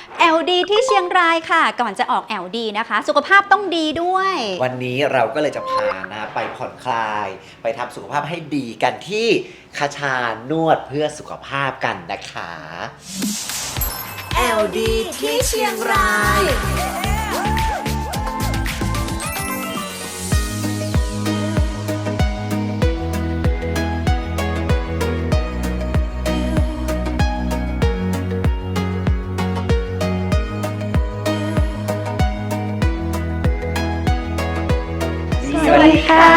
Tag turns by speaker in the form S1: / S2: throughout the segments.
S1: LD ที่เชียงรายค่ะก่อนจะออก LD นะคะสุขภาพต้องดีด้วย
S2: วันนี้เราก็เลยจะพานะไปผ่อนคลาย ไปทำสุขภาพให้ดีกันที่คชานวดเพื่อสุขภาพกันนะคะ LD ที่เชียงราย
S1: สวัสดีค่ะ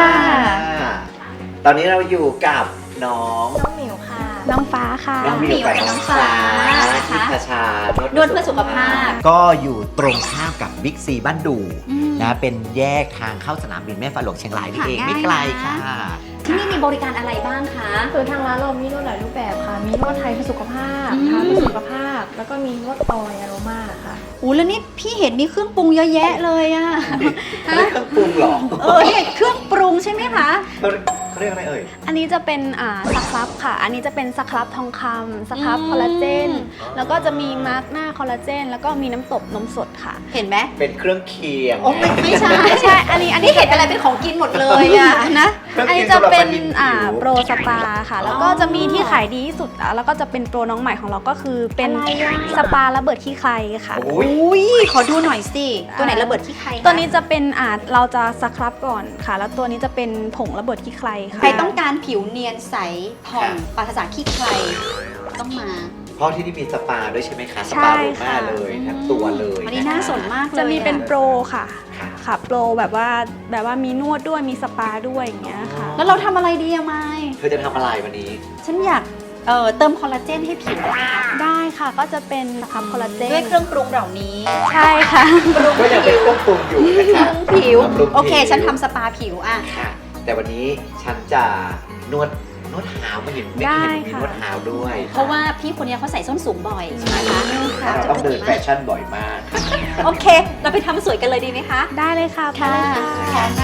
S2: ตอนนี้เราอยู่กับน้อง
S3: น้องหมิวค่ะ น้องฟ้าค่ะ
S2: น้องหมิวกับน้องฟ้าที่คชาน
S1: วดเพื่อสุขภาพ
S2: ก็อยู่ตรงข้ามกับบิ๊กซีบ้านดูนะเป็นแยกทางเข้าสนามบินแม่ฟ้าหลวงเชียงรายนี่เองไม่ไกลค่ะ
S1: ที่นี่มีบริการอะไรบ้างคะ
S3: คือทางร้านเรามีนวดหลายรูปแบบค่ะ มีนวดไทยเพื่อสุขภาพ
S1: อืม
S3: ทาเพื่อสุขภาพ แล้วก็มีนวดออยล์อโรมาค่ะ
S1: โอ้แล้วนี่พี่เห็นมีเครื่องปรุงเยอะแยะเลยอะ
S2: เขาเรียกเครื่องปรุงเหรอ
S1: เนี่ยเครื่องปรุงใช่ไหมคะ
S2: เขาเรียกอะไรเอ่ย
S3: อันนี้จะเป็นสครับค่ะ อันนี้จะเป็นสครับทองคำสครับคอลลาเจน แล้วก็จะมีมาร์กหน้าคอลลาเจน แล้วก็มีน้ำตบนมสดค่ะ
S1: เห็นไหม
S2: เป็นเครื่องเคียง
S1: โอ้ไม่ใช่
S3: ไม่ใช่ อันนี้
S1: นี่เห็นอะไรเป็นของกินหมดเลยอะนะ
S2: เครื่อง
S3: อัน
S2: เคีย
S3: นี้
S2: ง
S3: จะ
S2: สำหรับ
S3: เป็น
S2: คนหิว
S3: โปรสปาค่ะ แล้วก็จะมีที่ขายดีที่สุดแล้วก็จะเป็นโปรน้องใหม่ของเราก็คือเป็นสปาระเบิดขี้ใครค่ะ
S2: โอ้ย
S1: อุ้ยขอดูหน่อยสิ ตัวไหนระเบิดที่ใครคะ
S3: ตัวนี้จะเป็นเราจะสครับก่อนค่ะ แล้วตัวนี้จะเป็นผงระเบิดขี้ใครค่ะ
S1: ใครต้องการผิวเนียนใสผ่องปราศจากขี้ใครต้องมา
S2: เพราะที่นี่มีสปาด้วยใช่ไหมคะ ส
S3: ใช่
S2: ปาโรม่า
S3: ค่ะ
S2: เลยทั้งตัวเลย
S1: วันนี้น่าสนมากเลย
S3: จะมีเป็นโปรค่ะ
S2: ค่ะ
S3: ค่ะโปรแบบว่ามีนวดด้วยมีสปาด้วยอย่างเงี้ยค่ะ
S1: แล้วเราทำอะไรดีอะไม
S2: เธอจะทำอะไรวันนี้
S1: ฉันอยากเติมคอลลาเจนให้ผิวอะค่ะ
S3: ได้ค่ะก็จะเป็นสครับคอลลาเจน
S1: ด้วยเครื่องปรุงเหล่านี้
S3: ใช่ค่ะ
S2: ก็ยังเป็นเครื่องปรุงอยู่นะคะ
S1: ผิว
S2: บำรุง
S1: โอเค
S2: ผิว
S1: ฉันทำสปาผิวอะ
S2: ค่ะ แต่วันนี้ฉันจะนวดเท้าไม่เห็นไม่เห็นมีนวดเท้าด้วย
S1: เพราะว่าพี่คนนี้เขาใส่ส้นสูงบ่อยใช่ไหมคะ
S2: เพราะเราต้องเดินแฟชั่นบ่อยมาก
S1: โอเค เราไปทำสวยกันเลยดีไหมคะ
S3: ได้เลยค่ะไปเลยค่ะ
S1: พร้อมนะ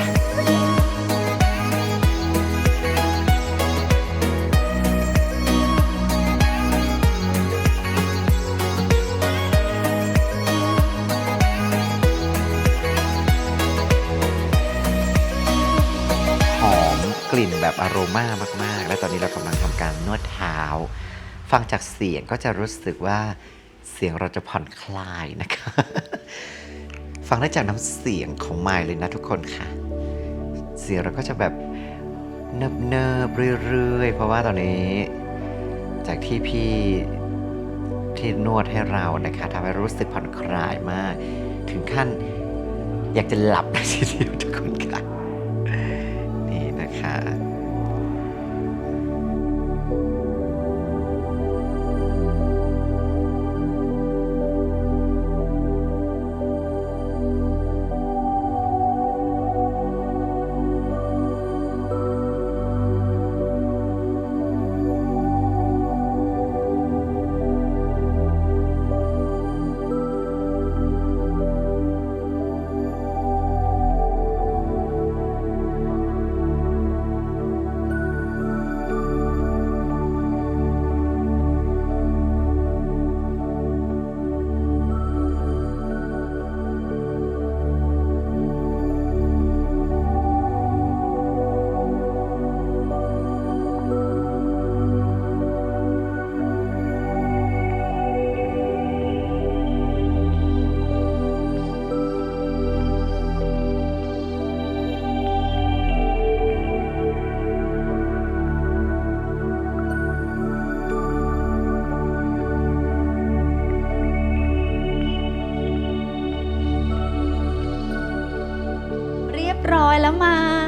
S2: หอมกลิ่นแบบอโรมามากๆ และตอนนี้เรากำลังทำการนวดเท้า ฟังจากเสียงก็จะรู้สึกว่าเสียงเราจะผ่อนคลายนะคะ ฟังได้จากน้ำเสียงของไมค์เลยนะทุกคนค่ะ เสียงเราก็จะแบบเนิบๆเรื่อยๆ เพราะว่าตอนนี้ จากที่พี่ที่นวดให้เรานะคะทำให้รู้สึกผ่อนคลายมาก ถึงขั้นอยากจะหลับเลยทีเดียวทุกคนค่ะ นี่นะคะ
S1: เรียบร้อยแล้วไม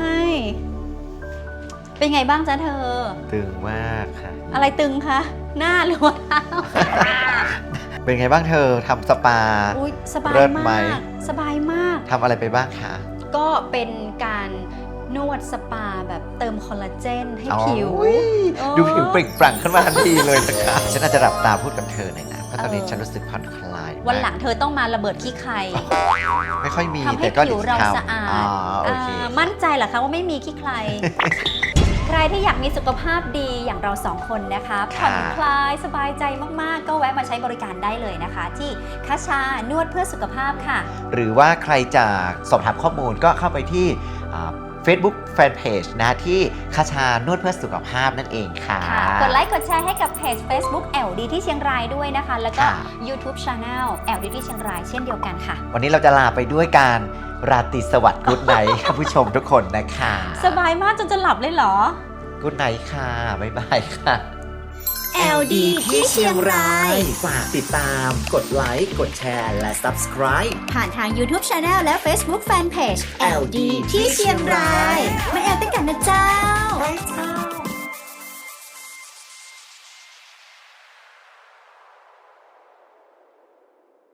S1: เป็นไงบ้างจ๊ะเธอ
S2: ตึงมากค่ะ
S1: อะไรตึงคะ หน้าหรือว่าเท้า
S2: เป็นไงบ้างเธอทำสปา
S1: อุ้ยสบาย
S2: เลิศไหม
S1: มาก สบายมาก
S2: ทำอะไรไปบ้างคะ
S1: ก็เป็นการนวดสปาแบบเติมคอลลาเจนให้
S2: อ๋อ
S1: ผิว
S2: อุ๊ย
S1: โอ้
S2: ดูผิวเปล่งปลั่งขึ้นมาทันทีเลยนะคะฉันอาจจะหลับตาพูดกับเธอหน่อยนะ เพราะตอนนี้ฉันรู้สึกผ่อนคลายมาก
S1: วันหลังเธอต้องมาระเบิดขี้ใคร
S2: ไม่ค่อยมี
S1: ทำให้
S2: แต่ก็
S1: ผิวเรา
S2: ทำ
S1: สะอาด
S2: อ๋อโอเค
S1: มั่นใจเหรอคะว่าไม่มีขี้ใคร โอเครที่อยากมีสุขภาพดีอย่างเราสองคนนะคะผ่อนคลายสบายใจมากๆก็แวะมาใช้บริการได้เลยนะคะ ที่คชานวดเพื่อสุขภาพค่ะ
S2: หรือว่าใครจะสอบถามข้อมูลก็เข้าไปที่Facebook Fanpage นะที่คชานวดเพื่อสุขภาพนั่นเองค่ะ
S1: กดไลค์กดแชร์ให้กับเพจ Facebook LD ที่เชียงรายด้วยนะคะ แล้วก็ YouTube Channel LD ที่เชียงรายเช่นเดียวกันค่ะ
S2: วันนี้เราจะลาไปด้วยการราตรีสวัสดิ์กุ๊ดไนท์ค่ะผู้ชมทุกคนนะคะ
S1: สบายมากจนจะหลับเลยเหรอ
S2: กุ๊ดไนท์ค่ะ บ๊ายบายค่ะ
S4: LD ที่เชียงราย
S5: ฝากติดตาม กดไลค์ กดแชร์ และ Subscribe
S4: ผ่านทาง YouTube Channel และ Facebook Fanpage LD ที่เชียงราย มาแอลด้วยกันนะเจ้า